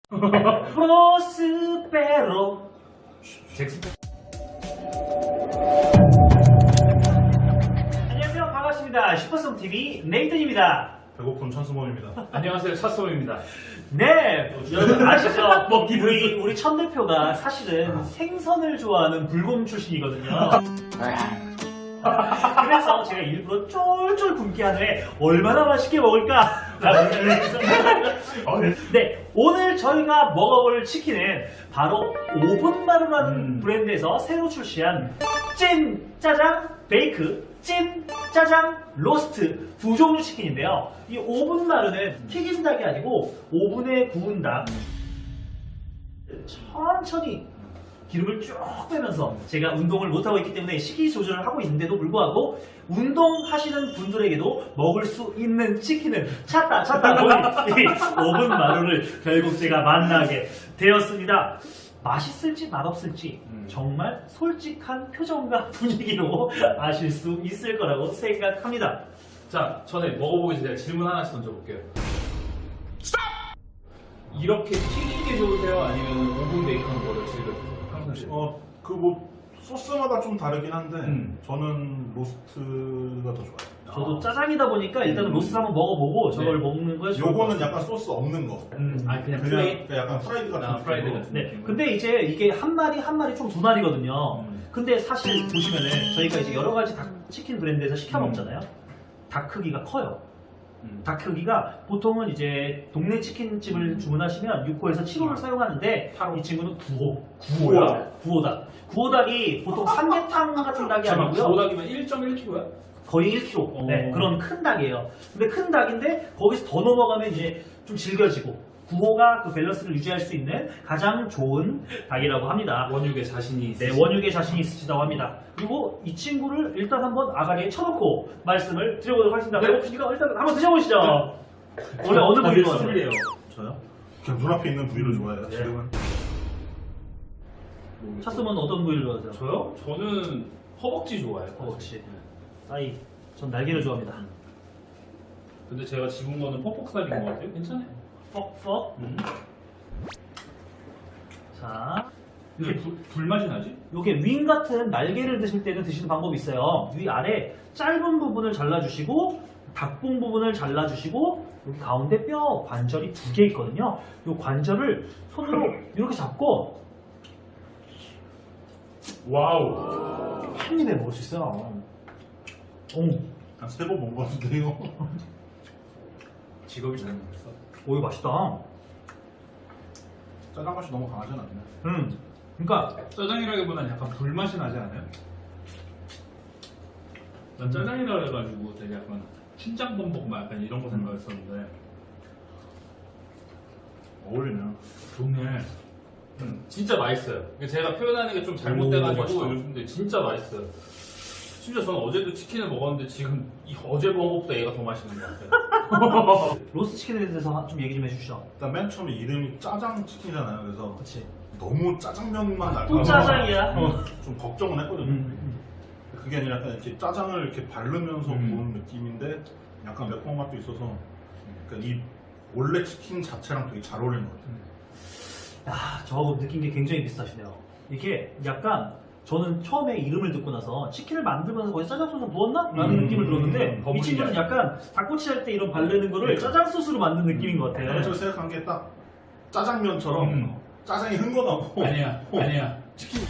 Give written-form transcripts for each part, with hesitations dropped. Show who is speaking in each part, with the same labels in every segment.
Speaker 1: 프로스페로
Speaker 2: 잭스.
Speaker 1: 안녕하세요, 반갑습니다. 슈퍼송TV 네이튼입니다.
Speaker 3: 배고픈 천수범입니다.
Speaker 2: 안녕하세요, 차스범입니다.
Speaker 1: 네, 여러분 아시죠?
Speaker 2: 먹기
Speaker 1: 우리 천 대표가 사실은 생선을 좋아하는 불곰 출신이거든요. 그래서 제가 일부러 쫄쫄 굶게 한 후에 얼마나 맛있게 먹을까? 네, 오늘 저희가 먹어볼 치킨은 바로 오븐마루라는 브랜드에서 새로 출시한 찐 짜장 베이크, 찐 짜장 로스트 두 종류 치킨인데요. 이 오븐마루는 튀긴 닭이 아니고 오븐에 구운 닭. 천천히 기름을 쭉 빼면서 제가 운동을 못하고 있기 때문에 식이 조절을 하고 있는데도 불구하고 운동하시는 분들에게도 먹을 수 있는 치킨을 찾다 보니 이 오븐마루를 결국 제가 만나게 되었습니다. 맛있을지 맛없을지 정말 솔직한 표정과 분위기로 아실 수 있을 거라고 생각합니다.
Speaker 2: 자, 전에 먹어보기 전에 질문 하나씩 던져볼게요. 이렇게 튀긴 게 좋으세요? 아니면 오븐 베이컨 거를 즐겨주세요? 평상시에.
Speaker 3: 그 뭐 소스마다 좀 다르긴 한데 저는 로스트가 더 좋아요.
Speaker 1: 저도 짜장이다 보니까 일단은 로스 한번 먹어보고 저걸
Speaker 2: 네.
Speaker 1: 먹는 거에 좋을 것
Speaker 3: 요거는
Speaker 1: 같습니다.
Speaker 3: 약간 소스 없는 거.
Speaker 2: 아, 그냥
Speaker 3: 그냥
Speaker 2: 프라이?
Speaker 3: 약간 프라이드 같은
Speaker 2: 프라이드
Speaker 3: 느낌으로.
Speaker 2: 같은
Speaker 1: 네,
Speaker 2: 느낌.
Speaker 1: 근데 이제 이게 한 마리 총 두 마리거든요. 근데 사실 보시면은 저희가 이제 여러 가지 닭 치킨 브랜드에서 시켜 먹잖아요. 닭 크기가 커요. 닭 크기가 보통은 이제 동네 치킨집을 주문하시면 6호에서 7호를 사용하는데 이 친구는 9호. 9호닭. 9호닭이 보통 삼계탕 같은 닭이
Speaker 2: 잠깐만,
Speaker 1: 아니고요.
Speaker 2: 보호닭이면 1.1kg야?
Speaker 1: 거의 1kg. 네, 그런 큰 닭이에요. 근데 큰 닭인데 거기서 더 넘어가면 이제 좀 질겨지고 9호가 그 밸런스를 유지할 수 있는 가장 좋은 닭이라고 합니다.
Speaker 2: 원육에 자신이
Speaker 1: 네,
Speaker 2: 있으시
Speaker 1: 원육에 자신이 있으시다고 합니다. 그리고 이 친구를 일단 한번 아가리에 쳐놓고 말씀을 드려보도록 하겠습니다.
Speaker 2: 네.
Speaker 1: 배고프시니까 일단 한번 드셔보시죠. 원래 어느 부위를 좋아하세요?
Speaker 2: 술이에요.
Speaker 1: 저요?
Speaker 3: 그냥 눈앞에 있는 부위를 좋아해요. 지금은.
Speaker 1: 차스먼 어떤 부위를 좋아하세요?
Speaker 2: 저요? 저는 허벅지 좋아해요.
Speaker 1: 허벅지. 아이, 전 날개를 좋아합니다.
Speaker 2: 근데 제가 집은 거는 퍽퍽살인 것 같아요. 괜찮아요.
Speaker 1: 퍽퍽. 자,
Speaker 2: 근데 불맛이 나지?
Speaker 1: 요게 윙 같은 날개를 드실 때는 드시는 방법이 있어요. 위 아래 짧은 부분을 잘라주시고 닭봉 부분을 잘라주시고 여기 가운데 뼈 관절이 두 개 있거든요. 요 관절을 손으로 이렇게 잡고
Speaker 2: 와우.
Speaker 1: 한 입에 먹을 수 있어요. 오,
Speaker 3: 한 3번 먹은 것 같은데 이거.
Speaker 2: 직업이 잘못했어.
Speaker 1: 오 이거 맛있다.
Speaker 3: 짜장 맛이 너무 강하진 않네.
Speaker 1: 그러니까
Speaker 2: 짜장이라기보다는 약간 불맛이 나지 않아요? 난 짜장이라 해가지고 되게 약간 춘장범벅 막 약간 이런 거 생각했었는데
Speaker 3: 어울리네요.
Speaker 2: 좋네. 진짜 맛있어요. 제가 표현하는 게 좀 잘못돼가지고
Speaker 1: 맛있다.
Speaker 2: 요즘데 진짜 맛있어요. 심지어 저는 어제도 치킨을 먹었는데 지금 어제 먹은 것보다 얘가 더 맛있는 것 같아요.
Speaker 1: 로스 치킨에 대해서 좀 얘기 좀 해주시죠.
Speaker 3: 일단 맨 처음에 이름이 짜장 치킨이잖아요. 그래서
Speaker 1: 그렇지.
Speaker 3: 너무 짜장면만 날까
Speaker 1: 또
Speaker 3: 봐
Speaker 1: 짜장이야.
Speaker 3: 좀 걱정은 했거든요. 그게 아니라 약간 이렇게 짜장을 이렇게 바르면서 구운 느낌인데 약간 매콤한 맛도 있어서 그러니까 이 원래 치킨 자체랑 되게 잘 어울리는 것 같아요.
Speaker 1: 야, 저하고 느낀 게 굉장히 비슷하시네요. 이게 약간 저는 처음에 이름을 듣고 나서 치킨을 만들면서 거기서 짜장 소스 부었나? 라는 느낌을 들었는데 이
Speaker 2: 버무리지
Speaker 1: 친구는 약간 닭꼬치 할 때 이런 바르는 거를 짜장 소스로 만든 느낌인 것 같아요.
Speaker 3: 제가 생각한 게 딱 짜장면처럼 짜장이 흥건하고
Speaker 2: 아니야. 치킨.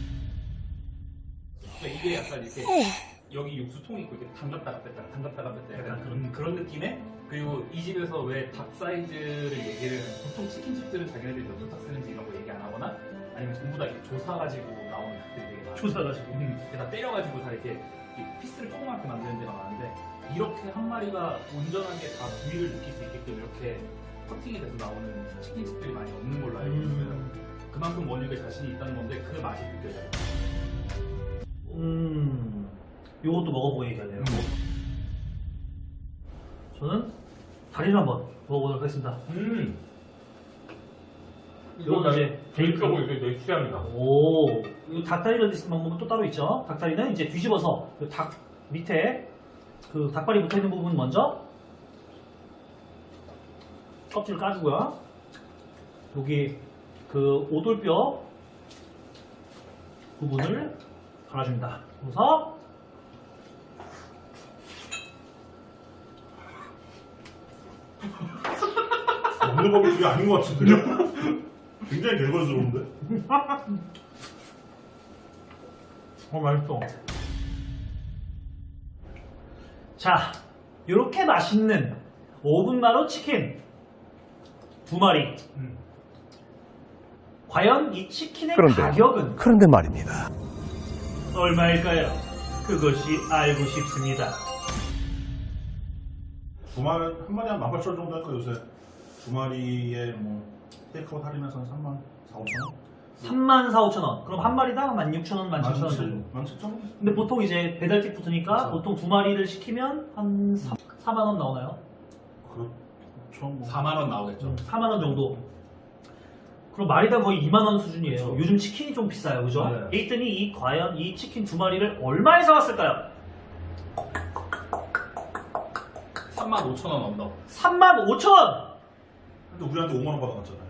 Speaker 2: 이게 약간 이렇게 여기 육수통이 있고 이렇게 담갔다가 뺐다 약간 그런 느낌에, 그리고 이 집에서 왜 닭 사이즈를 얘기를, 보통 치킨집들은 자기네들이 몇 닭 쓰는지 이런 거 얘기 안 하거나 아니면 전부 다 이렇게 조사가지고 나오는 닭들이 되게 많아요.
Speaker 1: 조사가지고.
Speaker 2: 이렇게 다 때려가지고 다 이렇게 피스를 조그맣게 만드는 데가 많은데, 이렇게 한 마리가 온전하게 다 부위를 느낄 수 있게끔 이렇게 커팅이 돼서 나오는 치킨집들이 많이 없는 걸로 알고 있어요. 그만큼 원육에 자신이 있다는 건데 그 맛이 느껴져요.
Speaker 1: 요것도 먹어보고 얘기하네요. 저는 다리를 한번 먹어보도록 하겠습니다. 이건 이제 베이크.
Speaker 2: 이거 내 취향이다.
Speaker 1: 오, 이 닭다리를 드시는 방법은 또 따로 있죠. 닭다리는 이제 뒤집어서 그 닭 밑에 그 닭발이 붙어 있는 부분 먼저 껍질을 까주고요. 여기 그 오돌뼈 부분을 갈아줍니다. 그래서
Speaker 3: 먹는 법이 그게 아닌 것 같은데요? 굉장히 개걸스러운데?
Speaker 1: 맛있어. 자, 이렇게 맛있는 5분 만호 치킨 2마리. 과연 이 치킨의 가격은
Speaker 4: 그런데 말입니다.
Speaker 1: 얼마일까요? 그것이 알고 싶습니다.
Speaker 3: 두 마리, 한 마리 한 18,000원 정도 할까 요새? 두 마리에 뭐 테이크아웃 할인해서 한 3만 4, 5천원?
Speaker 1: 34,500원. 그럼 한 마리당 16,000원, 17,000원 정도.
Speaker 3: 17,000원?
Speaker 1: 근데 보통 이제 배달팁 붙으니까
Speaker 3: 그렇죠.
Speaker 1: 보통 2마리를 시키면 한 4만원 나오나요?
Speaker 3: 그렇죠 뭐.
Speaker 2: 4만 원 나오겠죠.
Speaker 1: 4만원 정도. 그럼 마리당 거의 2만원 수준이에요.
Speaker 3: 그렇죠.
Speaker 1: 요즘 치킨이 좀 비싸요. 그죠?
Speaker 2: 맞아요.
Speaker 1: 에이튼이 과연 이 치킨 2마리를 얼마에 사왔을까요?
Speaker 2: 35,000원 언더.
Speaker 1: 35,000원!
Speaker 3: 근데 우리한테 5만원 받아갔잖아요.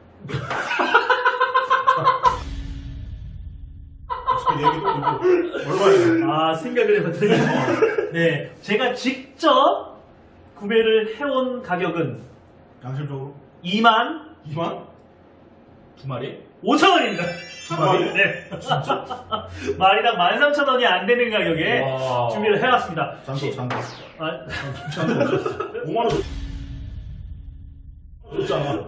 Speaker 3: 저 얘기 또 이거 얼마예요?
Speaker 1: 아, 생각을 해봤더니. 네. 제가 직접 구매를 해온 가격은
Speaker 3: 양심적으로?
Speaker 1: 2만
Speaker 3: 2만?
Speaker 2: 두 마리?
Speaker 1: 5천원입니다.
Speaker 3: 두 마리?
Speaker 1: 네. 마리당 13,000원이 안 되는 가격에
Speaker 2: 와.
Speaker 1: 준비를 해왔습니다.
Speaker 3: 잔도
Speaker 1: 아,
Speaker 3: 잔도 5만원 줬잖아.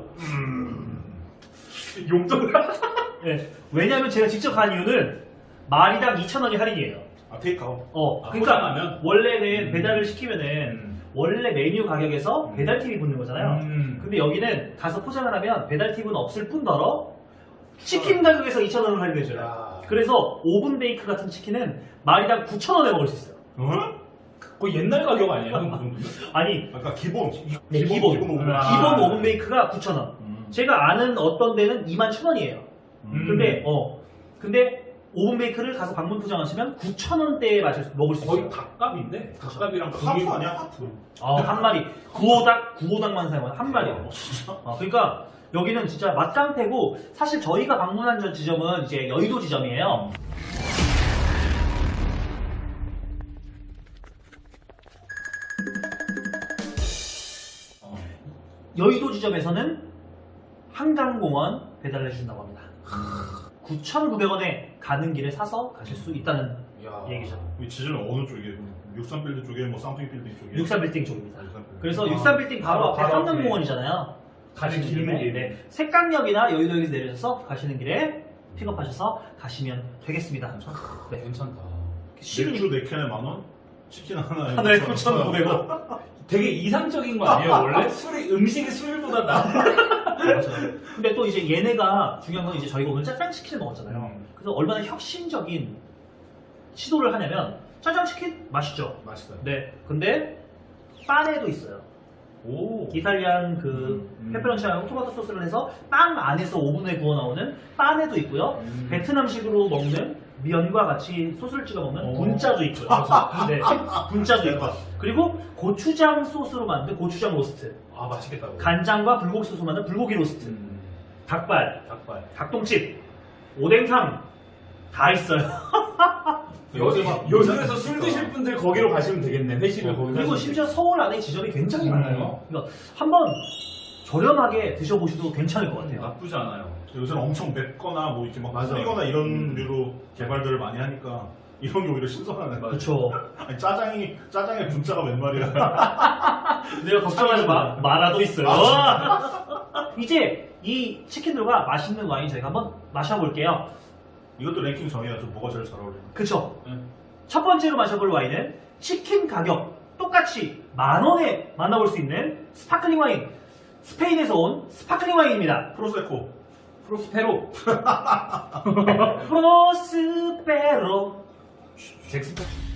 Speaker 2: 용돈.
Speaker 1: 네. 왜냐면 제가 직접 간 이유는 마리당 2,000원이 할인이에요.
Speaker 3: 아 테이크아웃.
Speaker 1: 그러니까
Speaker 2: 포장하면?
Speaker 1: 원래는 배달을 시키면은 원래 메뉴 가격에서 배달팁이 붙는 거잖아요. 근데 여기는 가서 포장을 하면 배달팁은 없을 뿐더러 치킨 가격에서 2,000원을 할인해줘요.
Speaker 2: 야.
Speaker 1: 그래서 오븐 베이크 같은 치킨은 마리당 9,000원에 먹을 수 있어요.
Speaker 3: 어?
Speaker 2: 거의 옛날 가격 아니에요? 그 정도면?
Speaker 1: 아니,
Speaker 3: 아까 기본
Speaker 1: 네, 기본
Speaker 3: 오븐.
Speaker 2: 아.
Speaker 1: 기본 오븐 베이크가 9,000원. 제가 아는 어떤 데는 21,000원이에요. 근데 오븐 베이크를 가서 방문 포장하시면 9,000원대에 먹을 수
Speaker 2: 거의
Speaker 1: 있어요.
Speaker 2: 닭값인데? 닭값이랑
Speaker 3: 하프 아니야 하프?
Speaker 1: 한 마리. 구호닭만 사용하는 한 마리요. 그러니까 여기는 진짜 맛깡패고 사실 저희가 방문한 저 지점은 이제 여의도 지점이에요. 여의도 지점에서는 한강공원 배달을 해준다고 합니다. 9,900원에 가는 길에 사서 가실 수 있다는
Speaker 2: 야.
Speaker 1: 얘기죠.
Speaker 3: 이 지점은 어느 쪽이에요? 63빌딩 쪽에 뭐 쌍둥이 빌딩 쪽에?
Speaker 1: 63빌딩 쪽입니다.
Speaker 3: 63빌딩.
Speaker 1: 그래서
Speaker 2: 아,
Speaker 1: 63빌딩 바로 앞에
Speaker 2: 바로 앞에.
Speaker 1: 한강공원이잖아요.
Speaker 2: 가는 길목에.
Speaker 1: 네. 색강역이나 여의도역에서 내려서 가시는 길에 픽업하셔서 가시면 되겠습니다. 네.
Speaker 2: 괜찮다.
Speaker 3: 맥주 4캔에 만원? 치킨 하나에
Speaker 1: 하나에 9,900원.
Speaker 2: 되게 이상적인 거 아니에요? 원래 음식이 술보다 나.
Speaker 1: 맞아요. 근데 또 이제 얘네가 중요한 건 이제 저희가 오늘 짜장치킨을 먹었잖아요. 그래서 얼마나 혁신적인 시도를 하냐면 짜장치킨 맛있죠?
Speaker 2: 맛있어요.
Speaker 1: 네. 근데 빵에도 있어요.
Speaker 2: 오.
Speaker 1: 이탈리안 그 페페론치랑 토마토 소스를 해서 빵 안에서 오븐에 구워 나오는 빵에도 있고요. 베트남식으로 먹는 면과 같이 소스를 찍어 먹는 분짜도 있고요. 네, 분짜도 있고. 그리고 고추장 소스로 만든 고추장 로스트.
Speaker 2: 아, 맛있겠다. 그거.
Speaker 1: 간장과 불고기 소스로 만든 불고기 로스트. 닭발,
Speaker 2: 닭발.
Speaker 1: 닭똥집, 오뎅탕 다 있어요.
Speaker 2: 요즘에서 술 드실 분들 거기로 가시면 되겠네. 회식을 거기서.
Speaker 1: 그리고
Speaker 2: 하시면
Speaker 1: 심지어 서울 안에 지점이 굉장히 많아요. 그러니까 한번 저렴하게 드셔보셔도 괜찮을 것 같아요.
Speaker 2: 나쁘지 않아요.
Speaker 3: 요새는 엄청 맵거나 뭐 이렇게 막
Speaker 2: 맞아.
Speaker 3: 뿌리거나 이런 류로 개발들을 많이 하니까 이런 게 오히려 신선하네.
Speaker 1: 그렇죠.
Speaker 3: 아니 짜장의 분짜가 웬 말이야?
Speaker 1: 내가 걱정하지 마. 마라도 있어요. 이제 이 치킨들과 맛있는 와인 저희가 한번 마셔볼게요.
Speaker 3: 이것도 랭킹 정해야죠. 뭐가 제일 잘 어울리나.
Speaker 1: 그쵸? 첫 번째로 마셔볼 와인은 치킨 가격 똑같이 10,000원에 만나볼 수 있는 스파클링 와인. 스페인에서 온 스파클링 와인입니다.
Speaker 3: 프로세코.
Speaker 2: 프로스페로.
Speaker 1: 프로스페로.
Speaker 2: 잭스페로.